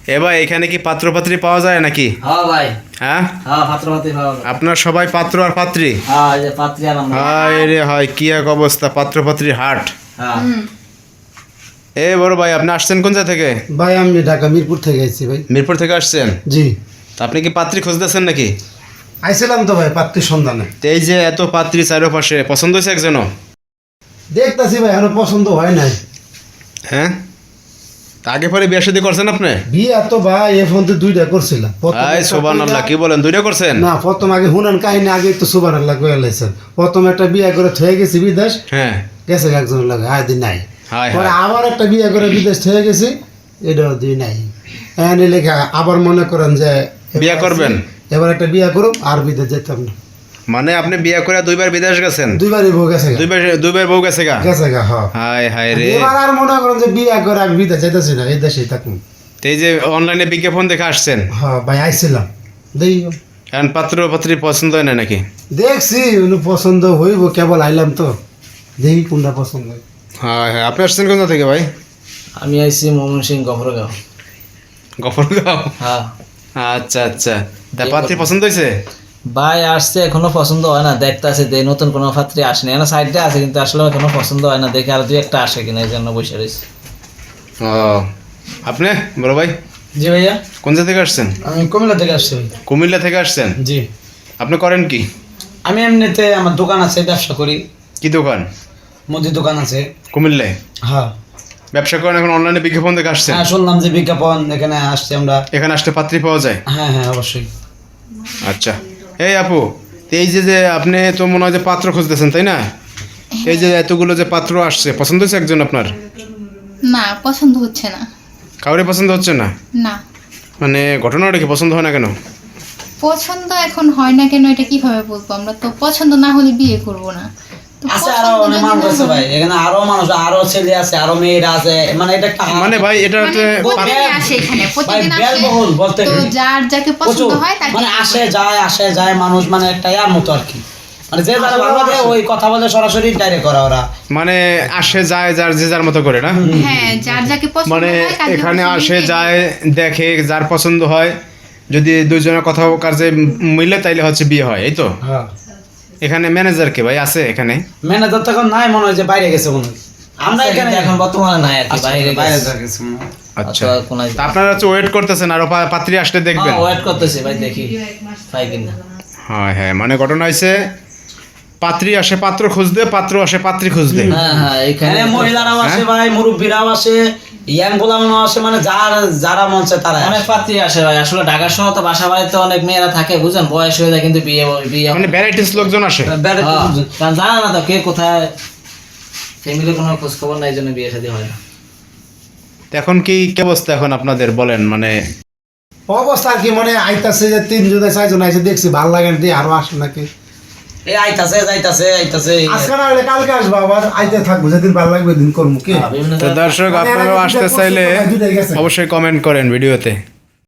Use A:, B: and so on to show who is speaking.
A: এ ভাই এখানে কি পাত্রপাত্রী পাওয়া যায় নাকি?
B: হ্যাঁ ভাই,
A: হ্যাঁ
B: হ্যাঁ পাত্রপাত্রী পাওয়া যায়।
A: আপনার সবাই পাত্র আর পাত্রী?
B: হ্যাঁ, এই যে পাত্রী আর আমরা।
A: হায় রে হয়, কি এক অবস্থা, পাত্রপাত্রীর হাট।
B: হ্যাঁ।
A: এ বড় ভাই, আপনি আসছেন কোন জায়গা থেকে?
C: ভাই আমি ঢাকা মিরপুর থেকে আইছি ভাই।
A: মিরপুর থেকে আসছেন?
C: জি,
A: তা আপনি কি পাত্রী খুঁজতেছেন নাকি?
C: আইছিলাম তো ভাই পাত্রীর সন্ধানে।
A: তো এই যে এত পাত্রী চারপাশে, পছন্দ হয়েছে একজনও?
C: দেখতাছি ভাই এখনো পছন্দ হয় নাই।
A: হ্যাঁ, তা আগে পরে বিয়ে শাদী করছেন আপনি?
C: বিয়ে তো ভাই এ ফোন দুইটা করছিলাম।
A: হাই সুবহানাল্লাহ, কি বলেন, দুইটা করছেন?
C: না, প্রথম আগে হুনান কাহিনী আগে তো সুবহানাল্লাহ কইয়া লাইছেন। প্রথম একটা বিয়ে করে থয়ে গেছি বিদেশ,
A: হ্যাঁ
C: গেছে একজন লাগে আয় দিন নাই।
A: হাই
C: পরে
A: হাই,
C: আবার একটা বিয়ে করে বিদেশ থয়ে গেছি, এটাও দিই নাই। এনে লেখা আবার মনে করেন যে
A: বিয়ে করবেন?
C: এবার একটা বিয়ে করুম আর বিদেশ যেতাম না।
A: মানে আপনি বিয়ে করে দুইবার বিদেশ গেছেন?
C: দুইবারই বউ গেছে গা।
A: দুইবার বউ গেছে গা?
C: গেছে গা, হ্যাঁ।
A: হাই হাই রে।
C: এবার আর মনে করেন যে বিয়ে করে আর বিদেশ যেতেছি না, এই দেশেই থাকুন।
A: তো এই যে অনলাইনে বিজ্ঞাপন দেখে আসছেন,
C: হ্যাঁ ভাই আইছিলাম, দেই
A: এখন পাত্র পাত্রী পছন্দ হয় না নাকি?
C: দেখছি উনি পছন্দ হইব, কেবল আইলাম তো, দেখি কোনটা পছন্দ হয়।
A: হ্যাঁ হ্যাঁ, আপনি আসছেন কোথা থেকে ভাই?
B: আমি আইছি ময়মনসিংহ গফরগাঁও।
A: গফরগাঁও?
B: হ্যাঁ
A: আচ্ছা আচ্ছা, তা পাত্রী পছন্দ হয়েছে?
B: ভাই, আসছে এখনো পছন্দ হয় না, দেখতেছে যে নতুন কোনো পাত্রী আসেনি, এখনো সাইডে আছে কিন্তু আসলে এখনো পছন্দ হয় না, দেখে আর দুই একটা আসে কিনা এই জন্য বসে রয়েছে।
A: ও, আপনি বড় ভাই
B: জি ভাইয়া,
A: কোন জায়গা থেকে আসছেন?
B: আমি কুমিল্লা থেকে আসছি ভাই।
A: কুমিল্লা থেকে আসছেন?
B: জি,
A: আপনি করেন কি?
B: আমি এমনিতে আমার দোকান আছে, ব্যবসা করি,
A: কি দোকান?
B: মুদি দোকান আছে।
A: কুমিল্লায়
B: হ্যাঁ
A: ব্যবসা করেন, এখন অনলাইনে বিজ্ঞাপন দেখে আসছেন?
B: হ্যাঁ, শুনলাম যে বিজ্ঞাপন, এখানে আসছি আমরা।
A: এখানে আসলে পাত্রী পাওয়া যায়?
B: হ্যাঁ হ্যাঁ, অবশ্যই।
A: আচ্ছা, এই আপু, তো এই যে যে আপনি তো মনে হয় যে পাত্র খুঁজতেছেন তাই না? এই যে এতগুলো যে পাত্র আসছে, পছন্দ হয়েছে একজন আপনার?
D: না, পছন্দ হচ্ছে না।
A: কাউরে পছন্দ হচ্ছে না?
D: না,
A: মানে ঘটনাটা কি, পছন্দ হয় না কেন?
D: পছন্দ এখন হয় না কেন এটা কিভাবে বলবো? আমরা তো পছন্দ না হলে বিয়ে করব না। তো
B: আছে আরো
D: পছন্দ
B: অনেক
D: যদি
B: মানুষ
D: না
B: আছে
D: হয়-
B: ভাই, এখানে আরো মানুষ, আরো ছেলে আছে, আরো মেয়েরা আছে, মানে এটা একটা
A: মানে ভাই এটা
D: মানে প্রতিদিনই আসে এখানে, প্রতিদিন আসে।
B: ব্যয়বহুল বলতে
D: তো যার যাকে পছন্দ
B: প্রচুর,
D: হয় তাকে
B: মানে আসে যায় মানুষ, মানে একটা ইয়ার মতো আর কি, মানে যে যারা ভালো লাগে ওই কথা বলে সরাসরি ডাইরেক্ট করা ওরা।
A: মানে আসে যায় যার যে যার মতো করে না?
D: হ্যাঁ, যার যাকে পছন্দ
A: মানে
D: হয় তাকে
A: এখানে
D: পছন্দ
A: আসে
D: হয়।
A: যায়, দেখে, যার পছন্দ হয়, যদি দুইজনের কথা কাজে মিলে তাইলে হচ্ছে বিয়ে হয়, এই তো?
B: হ্যাঁ,
A: এখানে ম্যানেজার কে ভাই আছে এখানে?
B: ম্যানেজার তো এখন নাই, মনে হয় যে বাইরে গেছে মনে হয়। আমরা এখানে এখন বর্তমানে নাই আর কি, বাইরে
E: বাইরে
B: গেছে।
E: গেছে মনে হয়।
A: আচ্ছা,
B: অথবা কোনায়
A: তা আপনারা হচ্ছে ওয়েট করতেছেন আরো পাত্রী আসলে দেখবেন?
B: ওয়েট করতেছি ভাই, দেখি পাই কিনা।
A: হ্যাঁ হ্যাঁ, মানে ঘটনা হয়েছে পাত্রী আসে পাত্র খুঁজতে, পাত্র আসে পাত্রী খুঁজতে।
B: হ্যাঁ হ্যাঁ, এখানে
E: হ্যাঁ,
B: মহিলারাও আসে
A: হ্যাঁ?
B: ভাই, মুরব্বীরাও আসে, ইয়াং গোলামও আসে, মানে যারা মন চায় তারা অনেক পাত্রী আসে ভাই। আসলে ঢাকা শহর তো বাসা বাড়িতে অনেক মেয়েরা থাকে, বুঝেন, বয়স হয়ে যায় কিন্তু বিয়ে বিয়ে
A: মানে ভ্যারাইটিস লোকজন আসে।
B: কারণ জানা না তো কে কোথায়, ফ্যামিলি কোনো খোঁজ খবর নাই, এই জন্য বিয়ে শাদী হয় না।
A: তো এখন কি কি অবস্থা এখন আপনাদের বলেন, মানে
C: অবস্থা আর কি, মানে আইতাছে যে 3 জনে 4 জন আইছে, দেখছি ভালো লাগে না, দিয়ে আরো আসে নাকি।
B: এই আইতাছে যাইতাছে
C: আজকে না হলে কালকে আসবো, আবার আইতে থাকবো, যেদিন ভালো লাগবে দিন করবো কি।
B: বিভিন্ন
A: তো দর্শক
C: মানে
A: আপনারাও
C: এরা
A: আসতে
C: দুইটা
A: চাইলে
C: পছন্দ হয়, দুইটাই গেছে।
A: অবশ্যই কমেন্ট করেন ভিডিওতে।